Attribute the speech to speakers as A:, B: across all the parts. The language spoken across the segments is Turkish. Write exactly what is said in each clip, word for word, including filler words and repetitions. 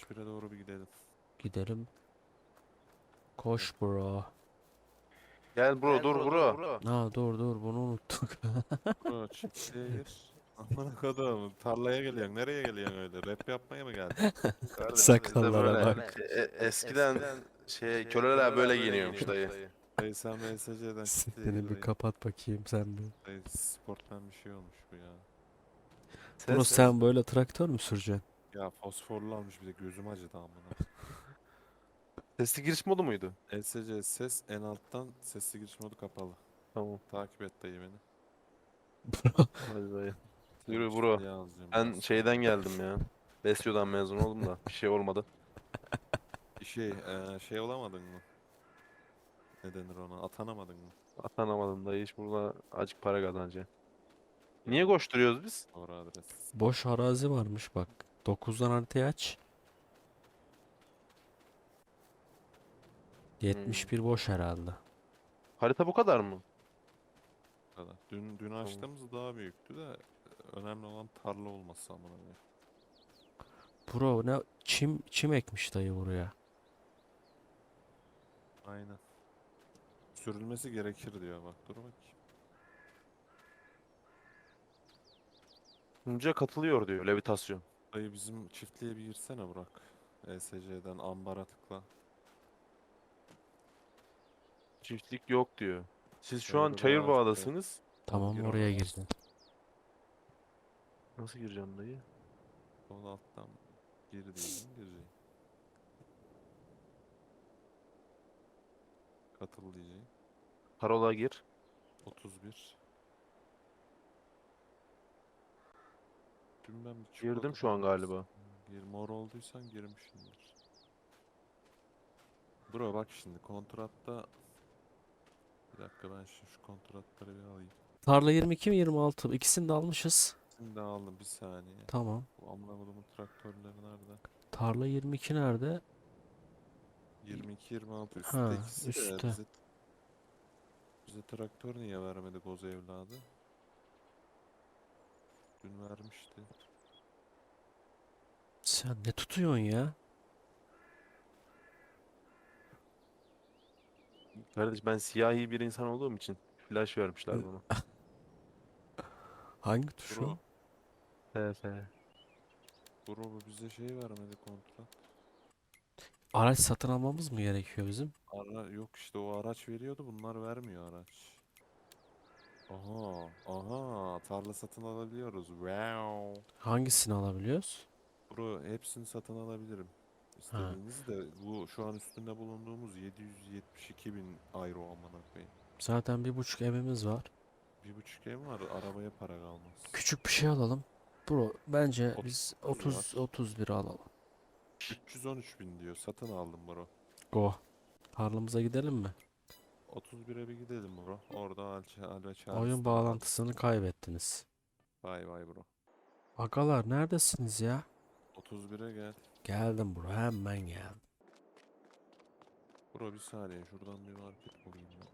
A: altmış bire doğru bir gidelim.
B: Gidelim. Koş bro.
C: Gel bro, dur bro.
B: Aa dur dur bunu unuttuk.
A: Bro çiftliğe gir. Amına kodum tarlaya geliyorsun. Nereye geliyorsun öyle? Rap yapmaya mı geldin?
C: Kardeşim bizde
B: Sakallara
C: böyle
B: bak.
C: e- e- eskiden şey köleler böyle giyiniyormuş dayı.
A: Dayı sen M S C'den çiftliğe
B: Seni
A: gir
B: bir
A: dayı.
B: kapat bakayım sen bir.
A: Dayı sportman bir şey olmuş bu ya.
B: Bro
C: Ses
B: sen böyle traktör mü süreceksin?
A: Ya fosforlu almış bir de gözüm acıdı amına.
C: sesli giriş modu muydu?
A: L S C ses en alttan sesli giriş modu kapalı.
C: Tamam.
A: Takip et dayı beni.
C: Hadi dayı.
A: Seni
C: Yürü bro.
A: çiftliğe alacağım
C: Ben
A: biraz
C: şeyden
A: sonra.
C: geldim ya. Besyo'dan mezun oldum da bir şey olmadı.
A: Şey, eee, şey olamadın mı? Ne denir ona? Atanamadın mı?
C: Atanamadım dayı, hiç burada acık para kazanacağım. Niye
A: Geldim.
C: koşturuyoruz biz?
A: Doğru adres.
B: Boş arazi varmış bak. dokuzdan haritayı aç.
C: Hmm.
B: yetmiş bir boş herhalde.
C: Harita bu kadar mı?
A: Bu kadar. Dün dün
C: Tamam.
A: açtığımız daha büyüktü de önemli olan tarla olması amına koyayım.
B: Bro ne çim çim ekmiş dayı buraya.
A: Aynen. Sürülmesi gerekir diyor bak. Dur bakayım.
C: Sunucuya katılıyor diyor, levitasyon.
A: Dayı bizim çiftliğe bir girsene Burak. E S C'den ambara tıkla.
C: Çiftlik yok diyor. Siz şu an
A: Server'a aç. Evet.
C: Çayırbağ'dasınız.
A: Tamam
B: Tamam
A: gir
B: oraya
A: ona.
B: girdin.
C: Nasıl gireceğim dayı?
A: Sol alttan gir diyeceğim. Gireceksin. Katıl diyeceğim.
C: Parola gir.
A: otuz bir. Dün ben bir
C: Girdim
A: çikolata
C: şu an
A: falan
C: galiba.
A: istedim. Gir mor olduysan girmişsindir. Bro bak şimdi kontratta bir dakika ben şu, şu kontratları bir alayım.
B: Tarla yirmi iki mi yirmi altı mı? İkisini de almışız.
A: Şimdi aldım bir saniye.
B: Tamam.
A: Bu amına kodumun traktörleri nerede?
B: Tarla yirmi iki nerede?
A: yirmi iki yirmi altı üstte
B: Ha
A: ikisi de
B: üstte.
A: bize bize traktör niye vermedi Goz evladı? Dün vermişti.
B: Sen ne tutuyorsun ya?
C: Kardeş, ben siyahi bir insan olduğum için flash vermişler bana.
B: Hangi tuş
A: Bro,
B: o?
C: F F.
A: bro bu bize şey vermedi kontrat.
B: Araç satın almamız mı gerekiyor bizim?
A: Ara yok işte o araç veriyordu bunlar vermiyor araç. Aha, aha tarla satın alabiliyoruz. Wow.
B: Hangisini alabiliyoruz?
A: Bro hepsini satın alabilirim.
B: Ha.
A: İstediğiniz de bu şu an üstünde bulunduğumuz yedi yüz yetmiş iki bin euro amına koyayım.
B: Zaten bir buçuk evimiz var.
A: Bir buçuk ev var arabaya para kalmaz.
B: Küçük bir şey alalım. Bro bence biz
A: otuz var.
B: otuz otuz bir alalım.
A: üç yüz on üç bin diyor satın aldım bro.
B: Go. Tarlamıza gidelim mi?
A: otuz bire bir gidelim bro. Orada Alça, Alve
B: Oyun
A: Charles'tan
B: bağlantısını
A: aldık.
B: kaybettiniz.
A: Vay vay bro.
B: Agalar neredesiniz ya?
A: otuz bire gel.
B: Geldim bro hemen geldim.
A: Bro bir saniye şuradan bir market bulayım ben.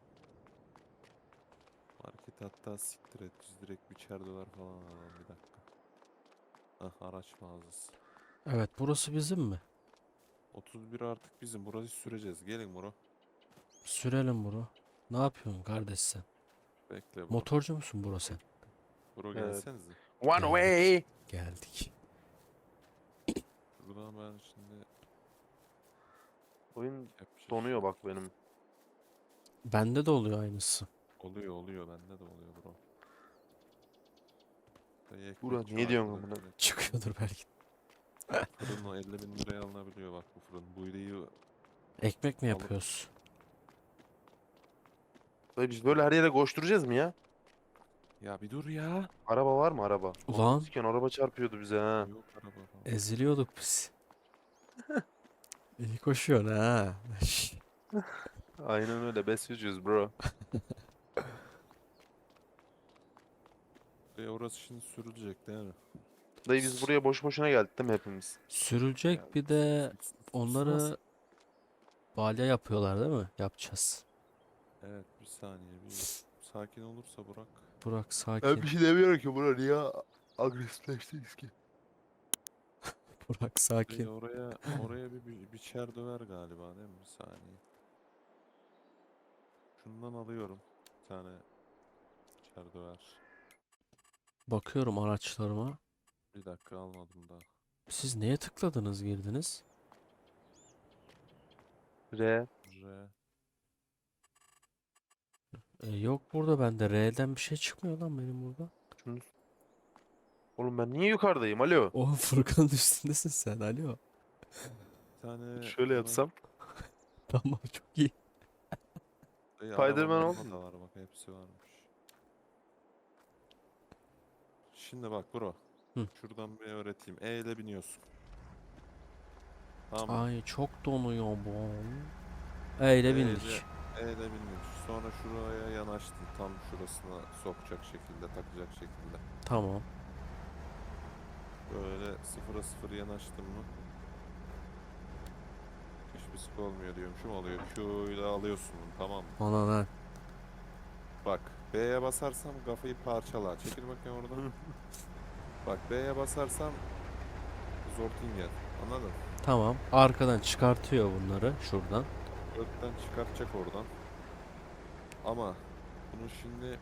A: Market hatta siktir et biz direkt biçer dolar falan alalım bir dakika. Hah araç mağazası.
B: Evet burası bizim mi?
A: otuz bir artık bizim burayı süreceğiz gelin bro.
B: Sürelim bro. Ne yapıyorsun kardeş sen?
A: Bekle bro.
B: Motorcu musun bro sen?
A: Bro
C: Evet.
A: gelsenize.
C: One
B: Geldik.
C: way.
B: Geldik.
A: Buradan ben şimdi
C: Oyun
A: yapacak
C: donuyor
A: şey-
C: bak benim.
B: Bende de oluyor aynısı.
A: Oluyor oluyor bende de oluyor bro. Dayı ekmek
C: Burak
A: şu
C: ne diyorsun
A: arkada
C: amına?
A: direkt.
B: Çıkıyordur belki.
A: Fırın o elli bin liraya alınabiliyor bak bu fırın. Bu iyi
B: Ekmek mi
A: alıp
B: yapıyoruz?
C: Dayı biz böyle her yere koşturacağız mı ya?
A: ya bir dur ya.
C: Araba var mı araba?
B: Ulan
C: Siken araba çarpıyordu bize ha.
A: Yok araba falan.
B: eziliyorduk biz. İyi koşuyorsun ha. Şş,
C: Aynen öyle, besliyoruz bro.
A: E orası şimdi sürülecek değil mi?
C: Dayı biz buraya boş boşuna geldik değil mi hepimiz?
A: Ya,
B: Sürülecek bir de
A: sus- sus-
B: onları balya yapıyorlar değil mi? Yapacağız.
A: Evet bir saniye bir sakin olursa Burak.
B: Burak
C: Ben
B: sakin.
C: bir şey demiyorum ki bro, niye agresifleştiniz ki?
B: Burak
A: Dayı
B: sakin.
A: oraya oraya bir, bir biçer döver galiba değil mi? Bir saniye. Şundan alıyorum. Bir tane biçer döver.
B: Bakıyorum araçlarıma.
A: Bir dakika almadım daha.
B: Siz neye tıkladınız girdiniz?
C: R.
A: R.
B: E, yok burada bende R'den bir şey çıkmıyor lan benim burada.
C: Şunu... Oğlum ben niye yukarıdayım? Alo.
B: O Furkan'ın üstündesin sen, alo.
A: Bir tane
C: Şöyle
A: buna
C: yapsam.
B: Tamam, çok iyi.
A: dayı
C: Spiderman
A: araba
C: oldu
A: maraba
C: mu?
A: da var bak hepsi varmış. Şimdi bak bro.
B: Hı.
A: Şuradan bir öğreteyim. E ile biniyorsun. Tamam mı?
B: Ay çok donuyor bu. Öyle
A: E ile,
B: bindik.
A: E ile biniyorsun. Sonra şuraya yanaştın. Tam şurasına sokacak şekilde, takacak şekilde.
B: Tamam.
A: Böyle sıfıra sıfır yanaştın mı? Hiçbir sık olmuyor diyormuşum. Oluyor. Q ile alıyorsun bunu, tamam mı?
B: Ana lan.
A: Bak B'ye basarsam kafayı parçalar. Çekil bakayım oradan. Bak B'ye basarsam Zortingen. Anladın?
B: Tamam. Arkadan çıkartıyor bunları şuradan.
A: Gökten çıkartacak oradan. Ama bunu şimdi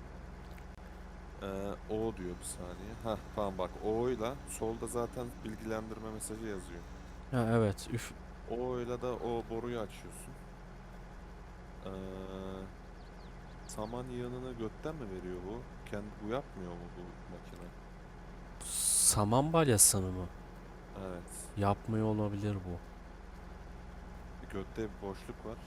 A: eee, O diyor bir saniye. Hah tamam bak O'yla solda zaten bilgilendirme mesajı yazıyor.
B: Ha evet. Üf.
A: O'yla da o boruyu açıyorsun. Eee saman yığınını götten mi veriyor bu? Kendi bu yapmıyor mu bu makine?
B: Saman balyasını mı?
A: Evet.
B: Yapmıyor olabilir bu.
A: Götte bir boşluk var.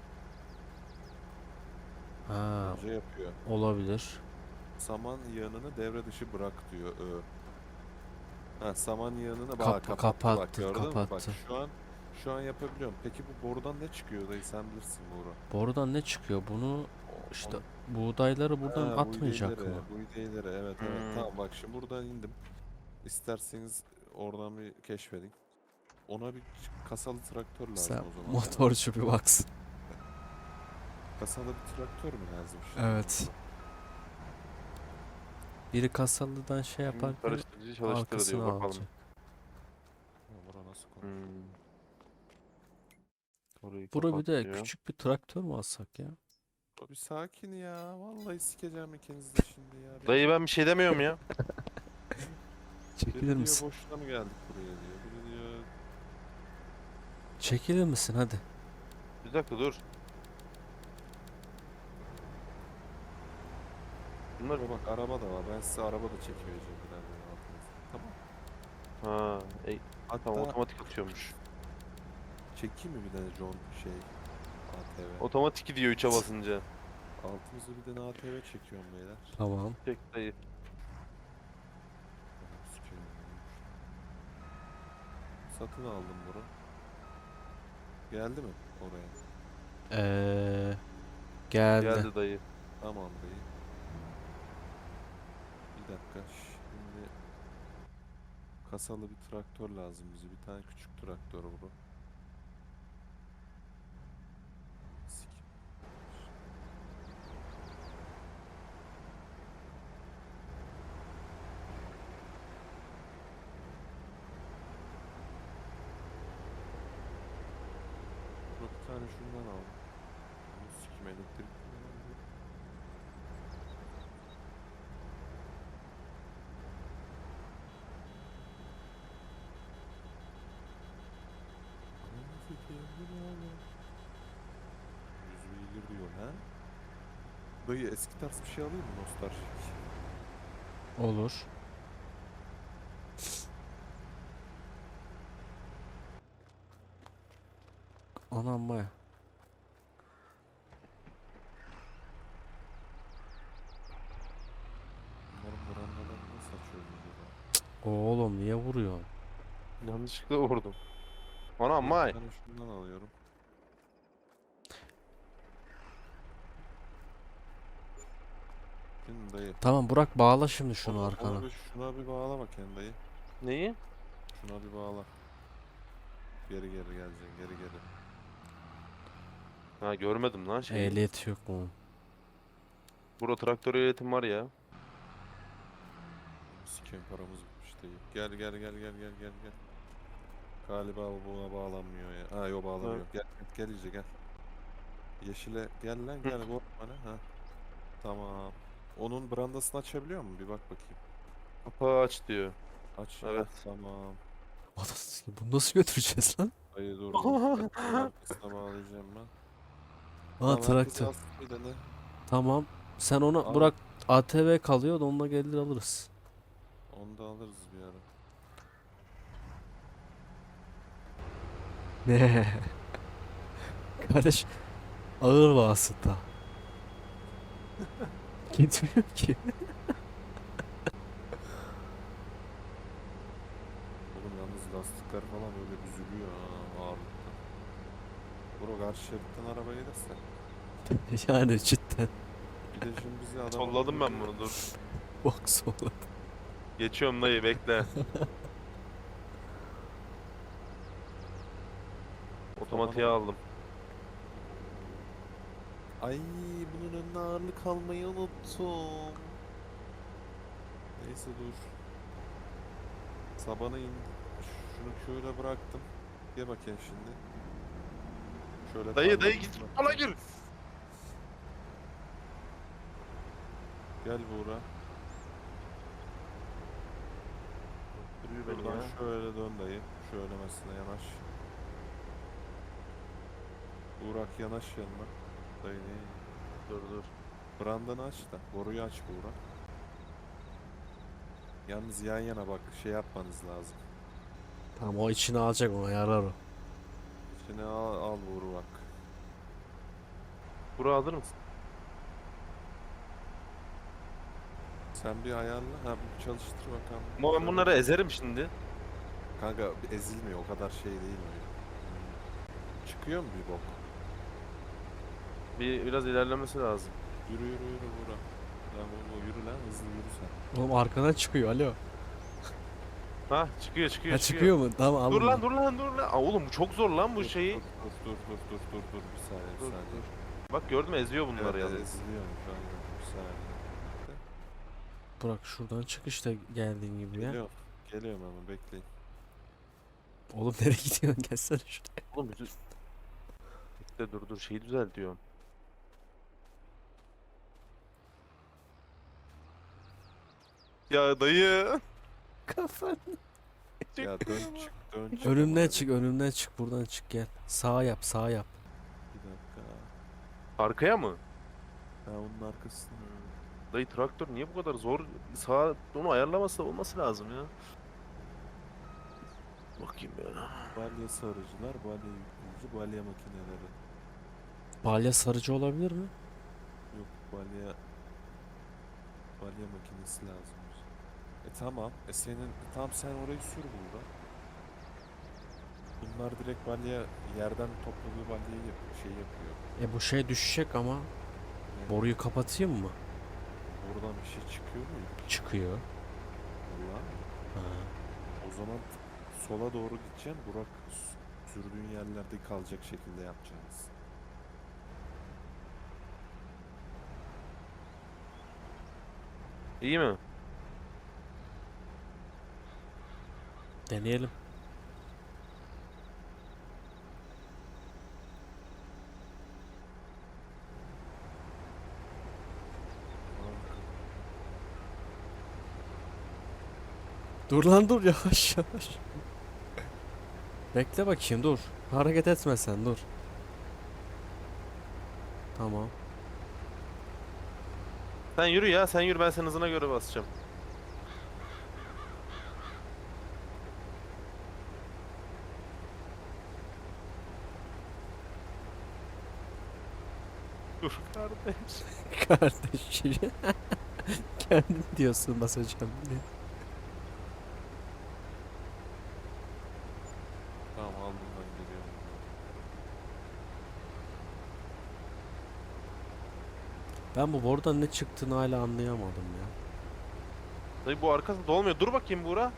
B: Ha,
A: Önce yapıyor.
B: olabilir.
A: Saman yığınını devre dışı bırak diyor Ö. Ha, saman yığınını bak
B: Kapa-
A: kapattı bak
B: kapattı,
A: gördün mü? Bak
B: kapattı.
A: şu an şu an yapabiliyorum. Peki bu borudan ne çıkıyor dayı sen bilirsin Buğra.
B: Borudan ne çıkıyor? Bunu
A: O-
B: işte
A: onu-
B: buğdayları buradan
A: Ha, bu
B: atmayacak
A: iğneleri,
B: mı?
A: bu iğneleri evet evet
C: Hmm.
A: tamam bak şimdi buradan indim. İsterseniz oradan bir keşfedin. Ona bir ç- kasalı traktör lazım
B: Sen
A: o zaman. değil mi?
B: motorcu bir baksın.
A: Kasalı bir traktör mü lazım şimdi?
B: Evet. Biri kasalıdan şey
C: Şimdi
B: yaparken
C: karıştırıcı çalıştır diyor
B: arkasına
C: bakalım.
B: alacak.
A: Ya bura nasıl konu?
C: Hmm. Orayı
B: Bura bir de
C: kapat diyor.
B: küçük bir traktör mü alsak ya?
A: Bro, bir sakin ya. Vallahi sikeceğim ikiniz de şimdi ya.
C: Dayı ben bir şey demiyorum ya.
B: Çekilir
A: Biri diyor
B: misin?
A: boşuna mı geldik buraya diyor. Biri diyor
B: Çekilir misin hadi?
C: Bir dakika dur. Bunlar
A: "Bro bak araba da var. Ben size araba da çekivereceğim birazdan altınızda." Tamam.
C: ha, e,
A: Hatta
C: tamam otomatik atıyormuş.
A: çekeyim mi bir tane John şey A T V.
C: Otomatik gidiyor üçe basınca.
A: Altımızda bir tane A T V çekiyorum beyler.
B: Tamam.
C: Çek dayı.
A: Anam sikeyim. Satın aldım bunu. Geldi mi oraya?
B: Ee, geldi.
C: Geldi dayı.
A: Tamam bey. Bir dakika. Şimdi kasalı bir traktör lazım bize. Bir tane küçük traktör bu. Sik. Bro, bir tane şundan al. Bunu sikim elektrik. Ananı sikeyim, bu ne oğlum? Yüz beygir diyor ha? Dayı eski tarz bir şey alayım mı nostaljik?
B: Olur. Anam baya.
A: Bunların brandalarını nasıl açıyoruz acaba?
B: Oğlum niye vuruyorsun?
C: Yanlışlıkla vurdum. Anam
A: Bir
C: may.
A: tane şundan alıyorum. Şimdi dayı.
B: Tamam Burak, bağla şimdi şunu
A: Onu-
B: arkana.
A: onu bir, şuna bir bağla bakayım dayı.
C: Neyi?
A: Şuna bir bağla. Geri geri geleceksin geri geri.
C: Ha görmedim lan şeyi.
B: Ehliyet yok mu?
C: Burada traktör ehliyetim var ya.
A: Sikeyim paramız bitmiş dayı. Gel gel gel gel gel gel gel. Galiba bu buna bağlanmıyor ya. Ha yok bağlanıyor. Gel gel iyice gel. Yeşile gel lan gel bu bana. Ha tamam. Onun brandasını açabiliyor mu? Bir bak bakayım.
C: Kapağı aç diyor.
A: Aç.
C: Evet.
A: Heh, tamam.
B: Anasını bunu nasıl götüreceğiz lan?
A: Hayır dur dur. Traktörün arkasına bağlayacağım ben.
B: Ha
A: Tamam herkes
B: traktör.
A: alsın bir tane.
B: Tamam. Sen onu
A: Al.
B: bırak. A T V kalıyor da onunla gelir alırız.
A: Onu da alırız bir ara.
B: Ne? Kardeş ağır vasıta. Gitmiyor ki.
A: Oğlum yalnız lastikler falan böyle büzülüyor ha ağırlıktan. Bro karşı şeritten araba gelirse.
B: Yani cidden.
A: Bir de şimdi bizi adam...
C: Solladım ben bunu, dur.
B: Bok soğuk.
C: Geçiyorum dayı, bekle. Otomatiğe aldım.
A: Ay bunun önüne ağırlık almayı unuttum. Neyse dur. Sabana indi. Şunu şöyle bıraktım. Gel bakayım şimdi. Şöyle
C: Dayı
A: tarlanın
C: dayı git
A: içine
C: bana
A: bakayım.
C: gir.
A: Gel Buğra.
C: Duruyor beni
A: Buradan
C: ya.
A: şöyle dön dayı. Şöyle mesela yanaş. Buğrak yanaş yanına. Dayı ne?
C: Dur dur.
A: Brandanı aç da. Boruyu aç Buğra. Yalnız yan yana bak şey yapmanız lazım.
B: Tamam o içine alacak, ona yarar o.
A: İçine al, al Buğra bak.
C: Bura alır mısın?
A: Sen bir ayarla. Ha bir çalıştır bakalım.
C: Ama ben
A: Şöyle.
C: bunları ezerim şimdi.
A: Kanka ezilmiyor o kadar şey değil mi? Çıkıyor mu bir bok?
C: Bir biraz ilerlemesi lazım.
A: Yürü yürü yürü Buğra. Lan oğlum yürü lan hızlı yürü sen.
B: Oğlum arkadan çıkıyor, alo.
C: Ha çıkıyor çıkıyor
B: Ha çıkıyor mu? Tamam aldım.
C: Dur lan
B: ben.
C: dur lan dur lan. Aa, oğlum bu çok zor lan bu
A: Dur,
C: şeyi.
A: Dur dur dur dur dur dur dur bir saniye bir
C: Dur,
A: saniye.
C: Bak gördün mü, eziyor bunları
A: Evet,
C: yalnız.
A: eziliyormuş aynen bir saniye.
B: Bırak şuradan çık işte geldiğin gibi ya.
A: Geliyorum. Geliyorum ama bekleyin.
B: Oğlum nereye gidiyorsun? Gelsene şuraya.
C: Oğlum bir düz- Bekle dur dur şeyi düzelt diyorum. Ya dayı.
B: Kafan.
A: Ya dön çık dön çık.
B: Önümden
A: ama
B: çık,
A: hadi.
B: önümden çık, buradan çık gel. Sağ yap, sağ yap.
A: Bir dakika.
C: Arkaya mı?
A: Ha onun arkasında.
C: Dayı traktör niye bu kadar zor? Sağa onu ayarlaması olması lazım ya. Bakayım ya.
A: Balya sarıcılar, balya yükleyici, balya makineleri.
B: Balya sarıcı olabilir mi?
A: Yok balya balya makinesi lazım. bize. E tamam. E senin e, tamam sen orayı sür burada. Bunlar direkt balya yerden topladığı balyayı yap şey yapıyor.
B: E bu şey düşecek ama.
A: Ne?
B: Boruyu kapatayım mı?
A: Buradan bir şey çıkıyor mu?
B: Çıkıyor.
A: Vallahi.
B: Ha.
A: O zaman sola doğru gideceksin. Burak s- sürdüğün yerlerde kalacak şekilde yapacaksınız.
C: İyi mi?
B: Deneyelim. Dur lan dur, yavaş yavaş. Bekle bakayım, dur. Hareket etme sen, dur. Tamam.
C: Sen yürü ya, sen yürü, ben senin hızına göre basacağım. Dur kardeş.
B: Kardeşim. Kendin diyorsun basacağım diye.
A: Tamam aldım ben geliyorum.
B: Ben bu borudan ne çıktığını hala anlayamadım ya.
C: Dayı bu arkası dolmuyor. Dur bakayım Buğra.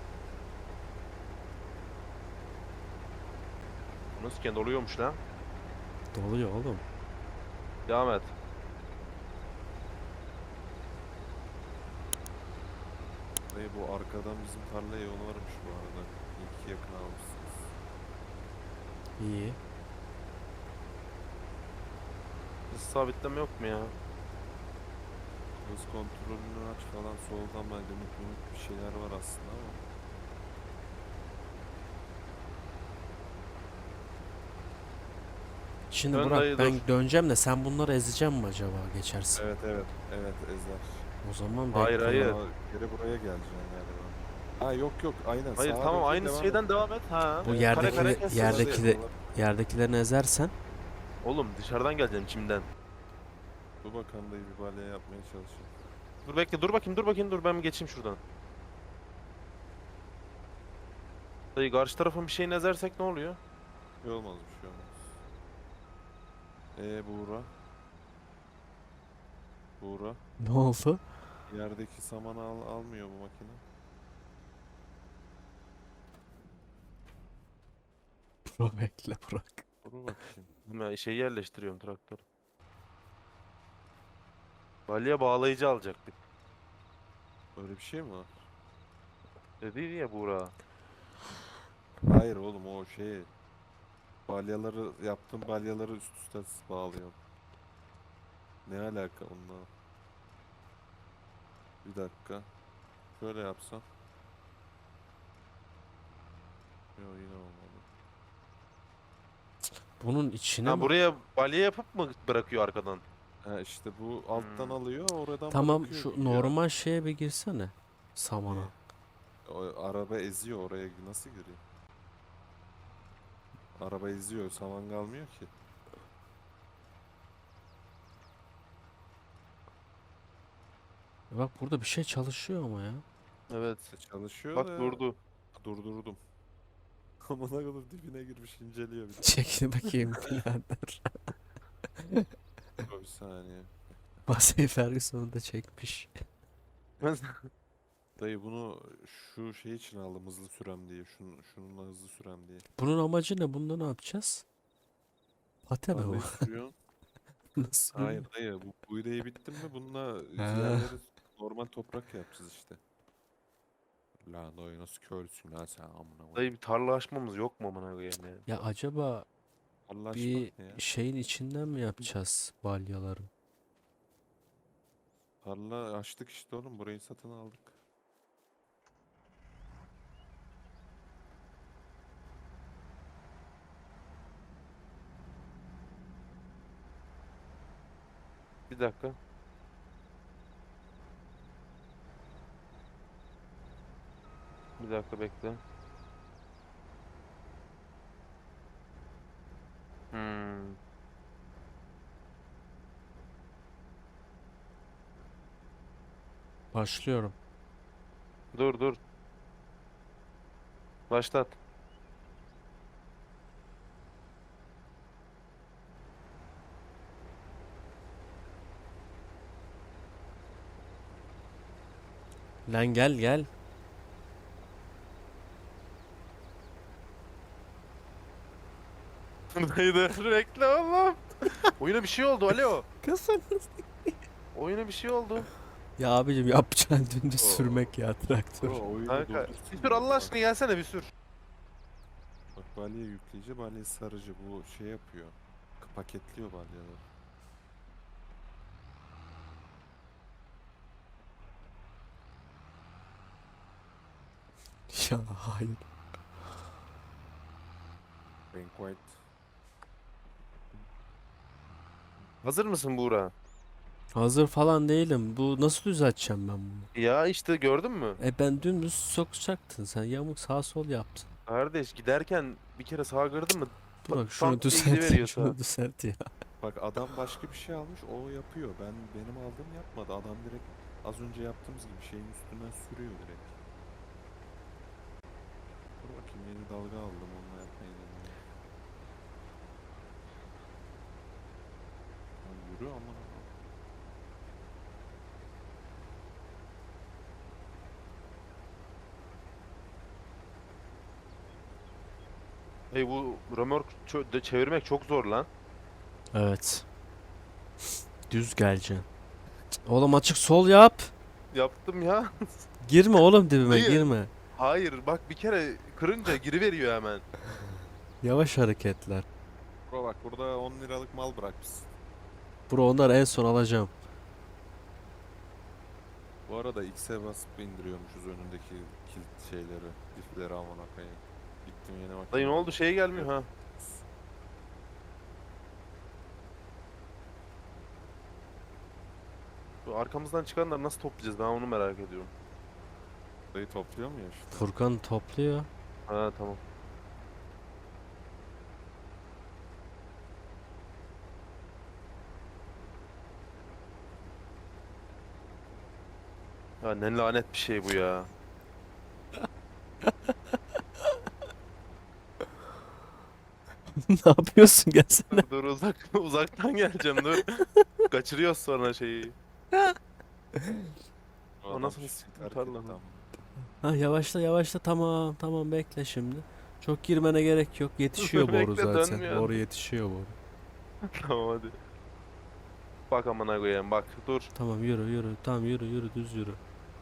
C: Nasıl kendi oluyormuş lan?
B: Doluyor oğlum.
C: Devam et.
A: Dayı bu arkadan bizim tarlaya yol varmış bu arada. İyi ki yakın almışsınız.
B: İyi.
C: Hız sabitleme yok mu ya?
A: Hız kontrolünü aç falan, soldan ben limit limit bir şeyler var aslında ama.
B: Şimdi
C: Dön
B: Burak
C: dayı,
B: ben
C: dur.
B: döneceğim de sen bunları ezeceğim mi acaba geçersin?
A: Evet evet evet ezer.
B: O zaman
C: Hayır,
B: bekle.
C: hayır.
A: Aa, geri buraya geleceksin galiba. Ha yok yok aynen
C: Hayır
A: sağa
C: tamam,
A: döneceksin,
C: aynı
A: devam
C: şeyden
A: et.
C: devam et. Ha.
B: Bu
A: Evet,
C: Kare kare
B: yerdeki
C: kes.
A: Yerde-
B: yerdeki de, yerdekilerini ezersen
C: Oğlum dışarıdan geleceğim, çimden.
A: Dur bakalım dayı, bir balya yapmaya çalışayım.
C: Dur bekle, dur bakayım, dur bakayım, dur ben bir geçeyim şuradan. Dayı karşı tarafın bir şeyini ezersek ne oluyor?
A: Bir şey olmaz bir şey olmaz. Eee Buğra. Buğra.
B: ne oldu?
A: Yerdeki samanı al, almıyor bu makine.
B: Burak bekle Burak.
A: Dur bakayım.
C: Ben şeyi yerleştiriyorum, traktör. Balya bağlayıcı alacaktık.
A: Öyle bir şey mi var?
C: Dedi ya Buğra.
A: Hayır oğlum, o şey. Balyaları yaptığım balyaları üst üste bağlıyorum. Ne alaka onunla? Bir dakika. Şöyle yapsam. Yok yine olmadı.
B: Bunun içine
C: Ha,
B: mi?
C: buraya balya yapıp mı bırakıyor arkadan?
A: Ha işte bu alttan
C: Hmm.
A: alıyor, oradan
B: Tamam
A: bırakıyor
B: şu
A: gidiyor.
B: normal şeye bir girsene. Samana.
A: Ne? O araba eziyor, oraya nasıl giriyor? Araba eziyor, saman kalmıyor ki.
B: Bak burada bir şey çalışıyor ama ya.
C: Evet.
A: E, Çalışıyor
C: Bak
A: da
C: durdu.
A: durdurdum. Amına koyayım, dibine girmiş inceliyor bir de.
B: Çekil bakayım birader.
A: Dur bir saniye.
B: Massey Ferguson'u da çekmiş.
A: Dayı bunu şu şey için aldım, hızlı sürem diye. Şun, şununla hızlı sürem diye.
B: Bunun amacı ne? Bunda ne yapacağız? Pate mi bu?
A: Tarlayı sürüyorsun.
B: Nasıl?
A: Hayır dayı, bu buğdayı bittin mi bununla
B: Ha.
A: yerleri normal toprak yapacağız işte. Lan dayı nasıl körsün lan sen, amına koyayım.
C: Dayı bir tarla açmamız yok mu amına koyayım ya?
B: Ya acaba
A: Allah aşkına
B: bir
A: ne ya?
B: şeyin içinden mi yapacağız balyaları?
A: Tarla açtık işte oğlum, burayı satın aldık.
C: Bir dakika. Bir dakika bekle. Hmm.
B: Başlıyorum.
C: Dur dur. Başlat.
B: Lan gel gel.
C: Dayı dur bekle oğlum. Oyuna bir şey oldu, alo.
B: Kızım.
C: Oyuna bir şey oldu.
B: Ya abicim yapacağın dümdüz
A: Oo.
B: sürmek ya traktör.
A: Bro oyunu
C: Kanka
A: durdursun
C: bir sür
A: ya.
C: Allah aşkına, gelsene bir sür.
A: Bak balya yükleyici, balya sarıcı, bu şey yapıyor. Paketliyor balyaları.
B: Ya hayır.
A: Banquet.
C: Hazır mısın Buğra?
B: Hazır falan değilim. Bu nasıl düzelteceğim ben bunu?
C: Ya işte gördün mü?
B: E ben dümdüz sokacaktın sen. Yamuk sağ sol yaptın.
C: Kardeş giderken bir kere sağa kırdın mı?
B: Bırak şunu
C: tank diye
B: düzelt ya.
C: gidiveriyor
B: Şunu
C: sağa.
B: düzelt ya.
A: Bak adam başka bir şey almış, o yapıyor. Ben benim aldığım yapmadı. Adam direkt az önce yaptığımız gibi şeyin üstünden sürüyor direkt. Dur bakayım, yeni dalga aldım, onunla yapmayı deniyorum. Lan yürü aman aman.
C: Hey, bu römork çö- de çevirmek çok zor lan.
B: Evet. Düz geleceksin. Oğlum açık sol yap.
C: Yaptım ya.
B: Girme oğlum dibime
C: Hayır.
B: girme.
C: Hayır bak, bir kere kırınca giriveriyor hemen.
B: Yavaş hareketler.
A: Bro bak burada on liralık mal bırakmışsın.
B: Bro onları en son alacağım.
A: Bu arada X'e basıp indiriyormuşuz önündeki kilit şeyleri, lifleri amına koyayım. Gittim yeni makine.
C: Dayı ne oldu, şey gelmiyor ha. Bu arkamızdan çıkanları nasıl toplayacağız, ben onu merak ediyorum.
A: Dayı topluyor mu ya işte?
B: Furkan topluyor.
C: Ha tamam. Ya ne lanet bir şey bu ya.
B: Ne yapıyorsun, gelsene.
C: Dur, dur uzak uzaktan geleceğim, dur. Kaçırıyoruz sonra şeyi.
A: O
C: O
A: adam
C: nasıl
A: şimdi
C: sıkıntı
A: terk
C: lan?
A: etti ama.
B: Ha yavaşla yavaşla, tamam tamam, bekle şimdi. Çok girmene gerek yok. Yetişiyor boru
C: Bekle,
B: zaten.
C: dönmüyor.
B: Boru yetişiyor boru.
C: Tamam hadi. Bak amına koyayım, bak dur.
B: Tamam yürü yürü. Tamam yürü yürü, düz yürü.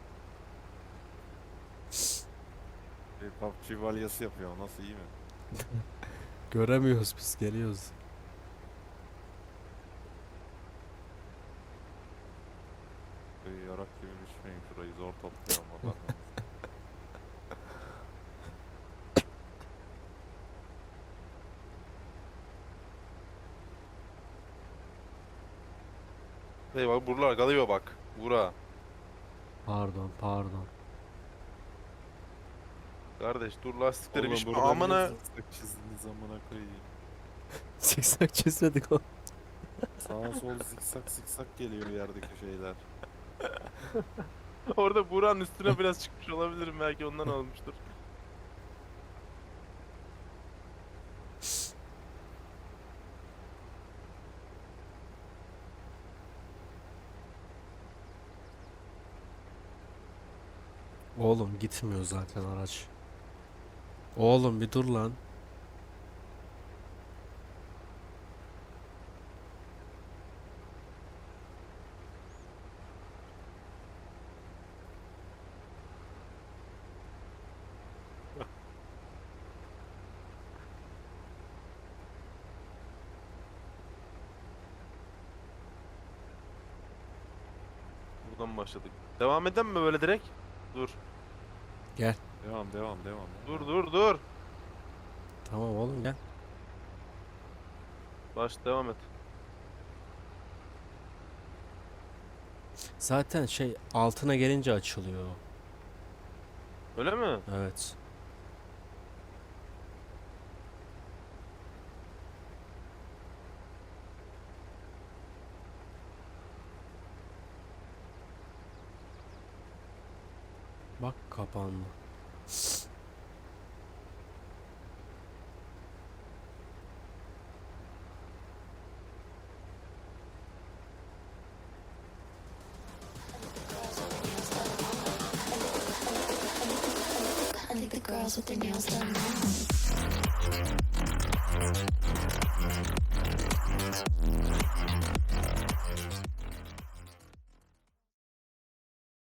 A: Şey, P U B G valyası yapıyor, nasıl, iyi mi?
B: Göremiyoruz biz, geliyoruz.
A: Dayı yarak gibi biçmeyin şurayı, zor topluyorum valla.
C: Hey bak buralar kalıyor bak. Bura.
B: Pardon pardon.
C: Kardeş dur, lastikleri
A: Oğlum
C: bir
A: burada niye
C: amına.
A: zikzak çizdiniz amına koyayım.
B: Zikzak çizmedik o.
A: Sağa sol zikzak zikzak geliyor yerdeki şeyler.
C: Orada buranın üstüne biraz çıkmış olabilirim, belki ondan olmuştur.
B: Oğlum gitmiyor zaten araç. Oğlum bir dur lan.
C: Buradan başladık. Devam edelim mi böyle direkt? Dur.
B: Gel.
A: Devam devam devam.
C: Dur
A: devam.
C: dur dur.
B: Tamam oğlum gel.
C: Baş devam et.
B: Zaten şey altına gelince açılıyor.
C: Öyle mi?
B: Evet. Bak kapandı.
D: I think the girls with their nails done now.